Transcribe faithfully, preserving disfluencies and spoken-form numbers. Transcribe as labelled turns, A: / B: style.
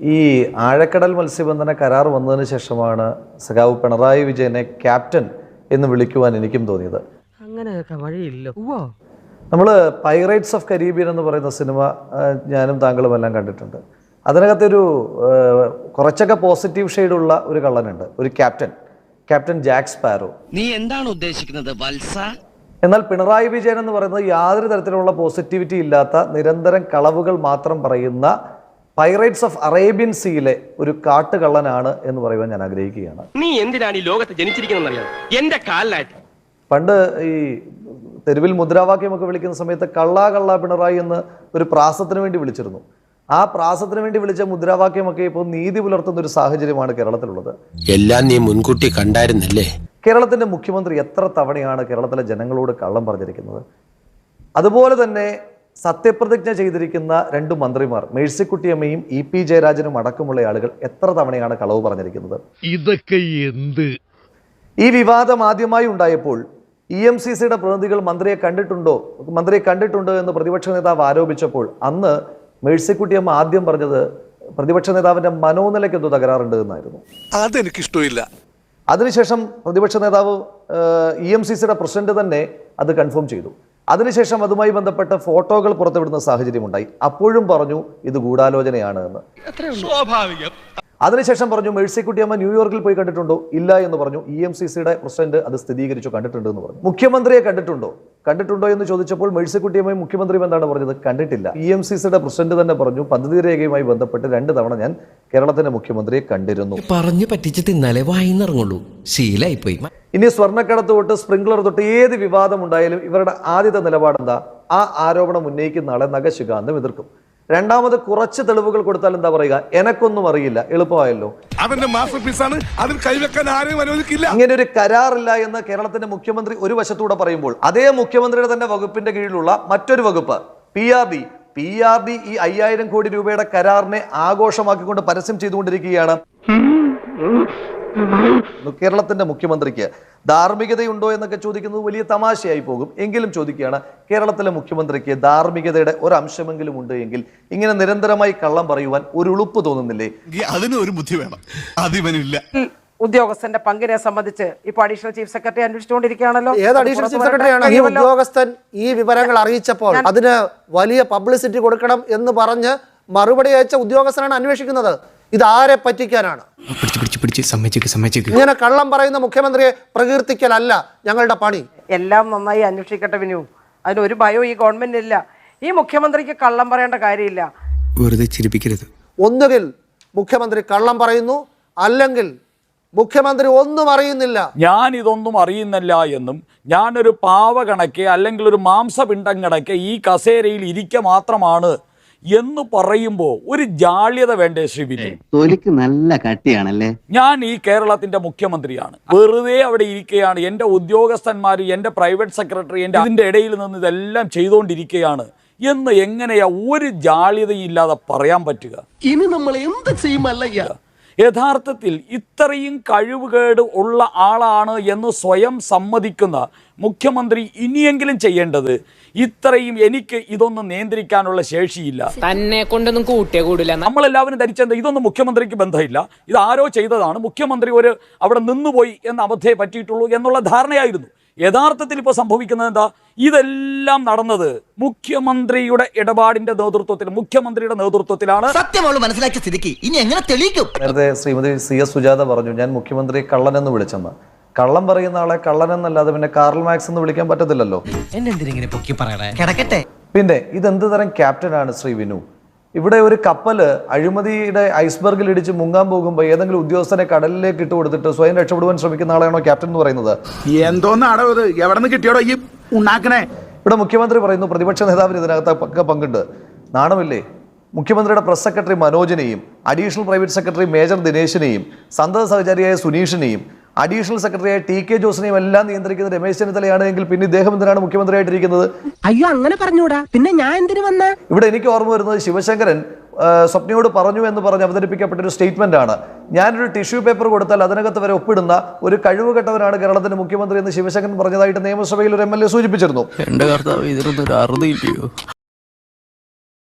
A: ഈ ആഴക്കടൽ മത്സ്യബന്ധന കരാർ വന്നതിന് ശേഷമാണ് സഖാവ് പിണറായി വിജയനെ ക്യാപ്റ്റൻ എന്ന് വിളിക്കുവാൻ എനിക്കും തോന്നിയത്.
B: അങ്ങനെയൊക്കെ വഴിയില്ല.
A: നമ്മൾ പൈറേറ്റ്സ് ഓഫ് കരീബിയൻ എന്ന് പറയുന്ന സിനിമ ഞാനും താങ്കളും എല്ലാം കണ്ടിട്ടുണ്ട്. അതിനകത്തൊരു കുറച്ചൊക്കെ പോസിറ്റീവ് ഷെയ്ഡുള്ള ഒരു കള്ളനുണ്ട്, ഒരു ക്യാപ്റ്റൻ, ക്യാപ്റ്റൻ ജാക്ക് സ്പാരോ.
C: നീ എന്താണ് ഉദ്ദേശിക്കുന്നത് വത്സ?
A: എന്നാൽ പിണറായി വിജയൻ എന്ന് പറയുന്നത് യാതൊരു തരത്തിലുള്ള പോസിറ്റിവിറ്റി ഇല്ലാത്ത നിരന്തരം കളവുകൾ മാത്രം പറയുന്ന പൈറേറ്റ്സ് ഓഫ് അറേബ്യൻ സീയിലെ ഒരു കാട്ടുകള്ളനാണ് എന്ന് പറയുവാൻ ഞാൻ ആഗ്രഹിക്കുകയാണ്.
D: നീ എന്തിനാണ് ഈ ലോകത്ത് ജനിച്ചിരിക്കുന്നറിയാം? എന്റെ കാലിലായിട്ട്
A: പണ്ട് ഈ തെരുവിൽ മുദ്രാവാക്യമൊക്കെ വിളിക്കുന്ന സമയത്ത് കള്ളാ കള്ളാ പിണറായി എന്ന് ഒരു പ്രാസത്തിന് വേണ്ടി വിളിച്ചിരുന്നു. ആ പ്രാസത്തിന് വേണ്ടി വിളിച്ച മുദ്രാവാക്യമൊക്കെ ഇപ്പോൾ നീതി പുലർത്തുന്ന ഒരു സാഹചര്യമാണ് കേരളത്തിലുള്ളത്.
E: എല്ലാം നീ മുൻകൂട്ടി കണ്ടായിരുന്നല്ലേ?
A: കേരളത്തിന്റെ മുഖ്യമന്ത്രി എത്ര തവണയാണ് കേരളത്തിലെ ജനങ്ങളോട് കള്ളം പറഞ്ഞിരിക്കുന്നത്? അതുപോലെ തന്നെ സത്യപ്രതിജ്ഞ ചെയ്തിരിക്കുന്ന രണ്ടു മന്ത്രിമാർ മേഴ്സിക്കുട്ടിയമ്മയും ഇ പി ജയരാജനും അടക്കമുള്ള ആളുകൾ എത്ര തവണയാണ് കളവ് പറഞ്ഞിരിക്കുന്നത്?
F: ഇതൊക്കെ എന്ത്?
A: ഈ വിവാദം ആദ്യമായി ഉണ്ടായപ്പോൾ ഇ എം സി സിയുടെ പ്രതിനിധികൾ മന്ത്രിയെ കണ്ടിട്ടുണ്ടോ മന്ത്രിയെ കണ്ടിട്ടുണ്ടോ എന്ന് പ്രതിപക്ഷ നേതാവ് ആരോപിച്ചപ്പോൾ അന്ന് മേഴ്സിക്കുട്ടിയമ്മ ആദ്യം പറഞ്ഞത് പ്രതിപക്ഷ നേതാവിന്റെ മനോനിലയ്ക്ക് എന്തോ തകരാറുണ്ട് എന്നായിരുന്നു.
F: അതെനിക്കിഷ്ടമില്ല.
A: അതിനുശേഷം പ്രതിപക്ഷ നേതാവ് ഇ എം സി സിയുടെ പ്രസിഡന്റ് തന്നെ അത് കൺഫേം ചെയ്തു. അതിനുശേഷം അതുമായി ബന്ധപ്പെട്ട ഫോട്ടോകൾ പുറത്തുവിടുന്ന സാഹചര്യമുണ്ടായി. അപ്പോഴും പറഞ്ഞു ഇത് ഗൂഢാലോചനയാണ് എന്ന്.
F: സ്വാഭാവികം.
A: അതിനുശേഷം പറഞ്ഞു മേഴ്സിക്കുട്ടിയമ്മ ന്യൂയോർക്കിൽ പോയി കണ്ടിട്ടുണ്ടോ? ഇല്ല എന്ന് പറഞ്ഞു. ഇ എം സി സിയുടെ പ്രസിഡന്റ് അത് സ്ഥിരീകരിച്ചു, കണ്ടിട്ടുണ്ട് എന്ന് പറഞ്ഞു. മുഖ്യമന്ത്രിയെ കണ്ടിട്ടുണ്ടോ കണ്ടിട്ടുണ്ടോ എന്ന് ചോദിച്ചപ്പോൾ മേഴ്സിക്കുട്ടിയമ്മയും മുഖ്യമന്ത്രിയും എന്താണ് പറഞ്ഞത്? കണ്ടിട്ടില്ല. ഇ എം സി സിയുടെ പ്രസിഡന്റ് തന്നെ പറഞ്ഞു പദ്ധതി രേഖയുമായി ബന്ധപ്പെട്ട് രണ്ട് തവണ ഞാൻ കേരളത്തിന്റെ മുഖ്യമന്ത്രിയെ കണ്ടിരുന്നു.
E: പറഞ്ഞു പറ്റിച്ച് തിന്നാലേ വായിന്നിറങ്ങുള്ളൂ, ശീലായി പോയി.
A: ഇനി സ്വർണ്ണക്കടത്ത് തൊട്ട് സ്പ്രിംഗ്ലർ തൊട്ട് ഏത് വിവാദം ഉണ്ടായാലും ഇവരുടെ ആദ്യത്തെ നിലപാടെന്താ? ആ ആരോപണം ഉന്നയിക്കുന്ന ആളെ നഖശിഖാന്തം എതിർക്കും. രണ്ടാമത് കുറച്ച് തെളിവുകൾ കൊടുത്താൽ എന്താ പറയുക? എനക്കൊന്നും അറിയില്ല. എളുപ്പമായല്ലോ.
F: അവന്റെ മാസ്റ്റർ പീസാണ്, അതിൽ കൈവെക്കാൻ ആരെയും അനുവദിക്കില്ല.
A: ഇങ്ങനെ ഒരു കരാറില്ല എന്ന് കേരളത്തിന്റെ മുഖ്യമന്ത്രി ഒരു വശത്തൂടെ പറയുമ്പോൾ അതേ മുഖ്യമന്ത്രിയുടെ തന്നെ വകുപ്പിന്റെ കീഴിലുള്ള മറ്റൊരു വകുപ്പ് P R D P R D ഈ അയ്യായിരം കോടി രൂപയുടെ കരാറിനെ ആഘോഷമാക്കിക്കൊണ്ട് പരസ്യം ചെയ്തുകൊണ്ടിരിക്കുകയാണ്. കേരളത്തിന്റെ മുഖ്യമന്ത്രിക്ക് ധാർമ്മികതയുണ്ടോ എന്നൊക്കെ ചോദിക്കുന്നത് വലിയ തമാശയായി പോകും. എങ്കിലും ചോദിക്കുകയാണ്, കേരളത്തിലെ മുഖ്യമന്ത്രിക്ക് ധാർമ്മികതയുടെ ഒരു അംശമെങ്കിലും ഉണ്ട് എങ്കിൽ ഇങ്ങനെ നിരന്തരമായി കള്ളം പറയുവാൻ ഒരു ഉളുപ്പ് തോന്നുന്നില്ലേ?
F: അതിന് ഒരു ബുദ്ധി വേണം, അതിവനില്ല.
B: ഉദ്യോഗസ്ഥന്റെ പങ്കിനെ സംബന്ധിച്ച് ഇപ്പൊ അഡീഷണൽ ചീഫ് സെക്രട്ടറി അന്വേഷിച്ചുകൊണ്ടിരിക്കുകയാണല്ലോ.
G: ഏത് അഡീഷണൽ ചീഫ് സെക്രട്ടറിയാണ് ഈ ഉദ്യോഗസ്ഥൻ ഈ വിവരങ്ങൾ അറിയിച്ചപ്പോൾ അതിന് വലിയ പബ്ലിസിറ്റി കൊടുക്കണം എന്ന് പറഞ്ഞ് മറുപടി അയച്ച ഉദ്യോഗസ്ഥനാണ് അന്വേഷിക്കുന്നത്. ഇത് ആരെ പറ്റിക്കാനാണ്? ഇങ്ങനെ കള്ളം പറയുന്ന മുഖ്യമന്ത്രിയെ പ്രകീർത്തിക്കലല്ല ഞങ്ങളുടെ പണി.
B: എല്ലാം നന്നായി അന്വേഷിക്കട്ടെ വിനു, അതിനൊരു ഭയവും ഈ ഗവൺമെന്റ് ഇല്ല. ഈ മുഖ്യമന്ത്രിക്ക് കള്ളം പറയേണ്ട കാര്യമില്ല.
E: വെറുതെ ചിരിപ്പിക്കരുത്.
G: ഒന്നുകിൽ മുഖ്യമന്ത്രി കള്ളം പറയുന്നു, അല്ലെങ്കിൽ മുഖ്യമന്ത്രി ഒന്നും അറിയുന്നില്ല.
H: ഞാൻ ഇതൊന്നും അറിയുന്നില്ല എന്നും ഞാനൊരു പാവ കണക്കെ അല്ലെങ്കിൽ ഒരു മാംസപിണ്ഡം കണക്കെ ഈ കസേരയിൽ ഇരിക്ക മാത്രമാണ് എന്ന് പറയുമ്പോ ഒരു ജാള്യത വേണ്ടേ ശ്രീ വിനു?
C: തൊലിക്ക് നല്ല കട്ടിയാണല്ലേ.
H: ഞാൻ ഈ കേരളത്തിന്റെ മുഖ്യമന്ത്രിയാണ്, വെറുതെ അവിടെ ഇരിക്കുകയാണ്. എന്റെ ഉദ്യോഗസ്ഥന്മാർ, എന്റെ പ്രൈവറ്റ് സെക്രട്ടറി എന്റെ അതിന്റെ ഇടയിൽ നിന്ന് ഇതെല്ലാം ചെയ്തുകൊണ്ടിരിക്കുകയാണ് എന്ന് എങ്ങനെയാ ഒരു ജാള്യതയില്ലാതെ പറയാൻ പറ്റുക?
C: ഇനി നമ്മൾ എന്ത് ചെയ്യുമല്ലയ്യ?
H: യഥാർത്ഥത്തിൽ ഇത്രയും കഴിവുകേട് ഉള്ള ആളാണ് എന്ന് സ്വയം സമ്മതിക്കുന്ന മുഖ്യമന്ത്രി ഇനിയെങ്കിലും ചെയ്യേണ്ടത് ഇത്രയും എനിക്ക് ഇതൊന്നും നിയന്ത്രിക്കാനുള്ള ശേഷിയില്ല,
I: തന്നെ കൊണ്ടൊന്നും കൂട്ടിയേ കൂടില്ല.
H: നമ്മളെല്ലാവരും ധരിച്ചത് ഇതൊന്നും മുഖ്യമന്ത്രിക്ക് ബന്ധമില്ല, ഇത് ആരോ ചെയ്തതാണ്, മുഖ്യമന്ത്രി ഒരു അവിടെ നിന്നുപോയി എന്ന അബദ്ധയെ പറ്റിയിട്ടുള്ളൂ എന്നുള്ള ധാരണയായിരുന്നു. യഥാർത്ഥത്തിൽ ഇപ്പോൾ സംഭവിക്കുന്നത് എന്താ? ഇതെല്ലാം നടന്നത് മുഖ്യമന്ത്രിയുടെ ഇടപാടിന്റെ നേതൃത്വത്തിൽ, മുഖ്യമന്ത്രിയുടെ നേതൃത്വത്തിലാണ്.
C: സത്യമോള് മനസ്സിലാക്കിയ സ്ഥിതിക്ക് ഇനി എങ്ങനെ തെളിയിക്കും?
A: നേരത്തെ ശ്രീമതി സി എസ് സുജാത പറഞ്ഞു ഞാൻ മുഖ്യമന്ത്രി കള്ളൻ എന്ന് വിളിച്ചെന്ന്. കള്ളം പറയുന്ന ആളെ കള്ളൻ എന്നല്ലാതെ പിന്നെ കാർൽ മാക്സ് എന്ന് വിളിക്കാൻ പറ്റത്തില്ലല്ലോ. പിന്നെ ഇതെന്ത് തരം ക്യാപ്റ്റനാണ് ശ്രീ വിനു? ഇവിടെ ഒരു കപ്പല് അഴിമതിയുടെ ഐസ്ബർഗിൽ ഇടിച്ച് മുങ്ങാൻ പോകുമ്പോൾ ഏതെങ്കിലും ഉദ്യോഗസ്ഥനെ കടലിലേക്ക് ഇട്ട് കൊടുത്തിട്ട് സ്വയം രക്ഷപ്പെടുവാൻ ശ്രമിക്കുന്ന ആളാണോ ക്യാപ്റ്റൻ എന്ന് പറയുന്നത്?
F: എന്തോന്നാടോ ഇത്? എവിടെ നിന്ന് കിട്ടിയോടോ ഈ ഉണ്ടാക്കണേ?
A: ഇവിടെ മുഖ്യമന്ത്രി പറയുന്നു പ്രതിപക്ഷ നേതാവിന് ഇതിനകത്ത് പങ്കുണ്ട്. നാണമില്ലേ? മുഖ്യമന്ത്രിയുടെ പ്രസ് സെക്രട്ടറി മനോജിനെയും അഡീഷണൽ പ്രൈവറ്റ് സെക്രട്ടറി മേജർ ദിനേശിനെയും സന്തത സഹചാരിയായ സുനീഷിനെയും അഡീഷണൽ സെക്രട്ടറിയായ ടി കെ ജോസിനെയും എല്ലാം നിയന്ത്രിക്കുന്ന രമേശ് ചെന്നിത്തലയാണ് എങ്കിൽ പിന്നെ ഇദ്ദേഹം എന്തിനാണ് മുഖ്യമന്ത്രിയായിട്ടിരിക്കുന്നത്?
B: അയ്യോ, അങ്ങനെ പറഞ്ഞൂടാ. പിന്നെ ഞാൻ എന്തിനു വന്ന?
A: ഇവിടെ എനിക്ക് ഓർമ്മ വരുന്നത് ശിവശങ്കരൻ സ്വപ്നയോട് പറഞ്ഞു എന്ന് പറഞ്ഞ് അവതരിപ്പിക്കപ്പെട്ട ഒരു സ്റ്റേറ്റ്മെന്റ് ആണ്. ഞാനൊരു ടിഷ്യൂ പേപ്പർ കൊടുത്താൽ അതിനകത്ത് വരെ ഒപ്പിടുന്ന ഒരു കഴിവുകെട്ടവരാണ് കേരളത്തിന്റെ മുഖ്യമന്ത്രി എന്ന് ശിവശങ്കരൻ പറഞ്ഞതായിട്ട് നിയമസഭയിൽ ഒരു എം എൽ എ സൂചിപ്പിച്ചിരുന്നു.